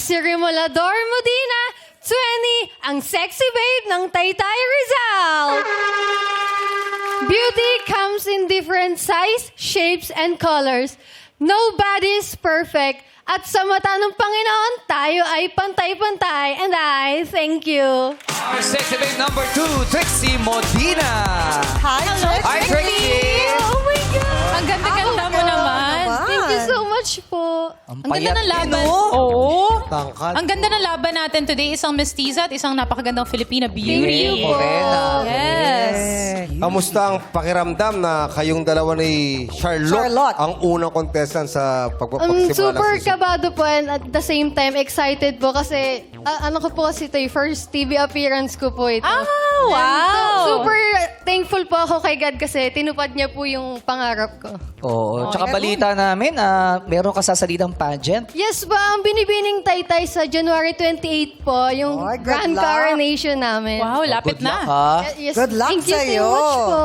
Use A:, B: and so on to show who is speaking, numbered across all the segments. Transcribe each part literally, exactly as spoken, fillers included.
A: si Remolador Modina, twenty, ang sexy babe ng Taytay Rizal. Beauty comes in different size, shapes, and colors. Nobody is perfect. At sa mata ng Panginoon, tayo ay pantay-pantay. And I thank you.
B: Our sexy babe number two, Trixie Modina.
C: Hi, Trixie.
B: Hi, Trixie.
A: Oh my God!
D: Ang ganda-ganda mo naman.
A: Thank you so much po.
D: Ang ganda ng laban.
C: no?
D: Oo.
E: Tangkad.
D: Ang ganda ng laban natin today. Isang mestiza at isang napakagandang Filipina beauty.
A: Thank you po.
D: Yes.
E: Kamusta ang pakiramdam na kayong dalawa ni Charlotte,
C: Charlotte.
E: ang unang contestant sa
A: Um,
E: pagpapasimula
A: super
E: ng season?
A: kabado po and at the same time excited po kasi ah, ano ko po kasi ito eh, first T V appearance ko po ito.
D: Ah, wow.
A: And super thankful po ako kay God kasi tinupad niya po yung pangarap ko.
F: Oo. Tsaka balita namin, ah, meron ka sasalitang pageant.
A: Yes po, ang binibining taytay sa January twenty-eighth po, yung
C: Ay, good
A: grand
C: luck.
A: coronation namin.
D: Wow, lapit
F: Good luck,
D: na.
F: ha?
A: Yes,
C: Good luck
A: thank you
C: sa'yo.
A: so much po.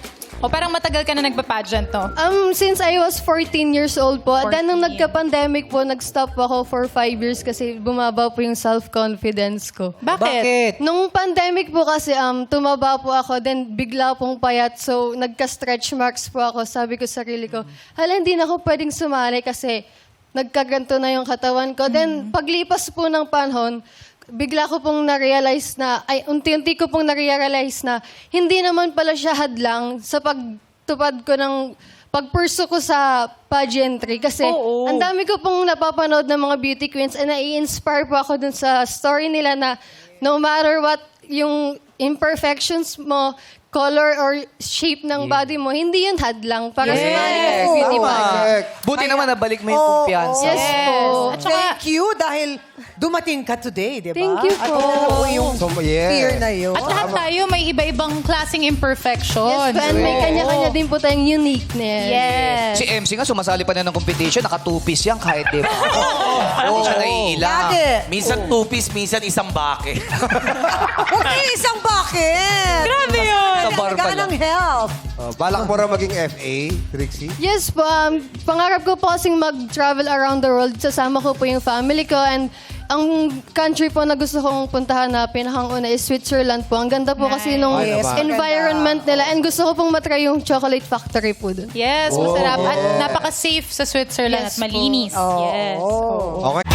D: O parang matagal ka na nagpa-pageant, no?
A: Um, since I was fourteen years old po, then nung
D: fourteen.
A: nagka-pandemic po, nag-stop ako for five years kasi bumaba po yung self-confidence ko.
D: Bakit?
F: Bakit?
A: Nung pandemic po kasi, um, tumaba po ako, then bigla pong payat. So, nagka-stretch marks po ako. Sabi ko sa sarili ko, hala, hindi na ako pwedeng sumali kasi nagkaganto na yung katawan ko. Then, paglipas po ng panahon, bigla ko pong na-realize na, ay, unti-unti ko pong na-realize na, hindi naman pala siya hadlang sa pagtupad ko ng pagpurso ko sa pageantry. Kasi,
D: Oo.
A: ang dami ko pong napapanood ng mga beauty queens and nai-inspire po ako dun sa story nila na no matter what yung imperfections mo, color or shape ng body mo, hindi yun hadlang para sa mga beauty
C: Oo.
A: pageant.
E: Correct.
F: Buti naman nabalik mo yung
C: Oo.
F: kumpiyansa.
A: Yes po.
D: At saka,
C: Thank you dahil dumating ka today, di ba?
A: Thank you
C: At
A: po.
C: alam mo yung
E: So, yes.
C: fear na yun.
D: at lahat tayo may iba-ibang klaseng imperfection.
A: Yes, po, and may
F: Oo.
A: kanya-kanya din po tayong uniqueness.
D: Yes.
F: Si M C nga, sumasali pa na ng competition, naka-two-piece yan kahit di ba?
B: Hindi siya naiila.
C: Lagi.
B: Minsan two-piece, minsan isang bake.
C: Huwag kayo isang bakit.
D: Grabe yun.
F: Sa bar pa
C: Alagaan
F: lang.
C: ng health.
E: Uh, balak mo rin maging F A, Trixie?
A: Yes po, um, pangarap ko po kasing mag-travel around the world. Sasama ko po yung family ko and ang country po na gusto kong puntahan na pinakang una is Switzerland po. Ang ganda po kasi nung
E: Ay, naman.
A: environment nila and gusto ko pong matry yung chocolate factory po dun.
D: Yes, masarap. At napaka-safe sa Switzerland
A: Yes
D: at malinis. Yes.
E: Okay.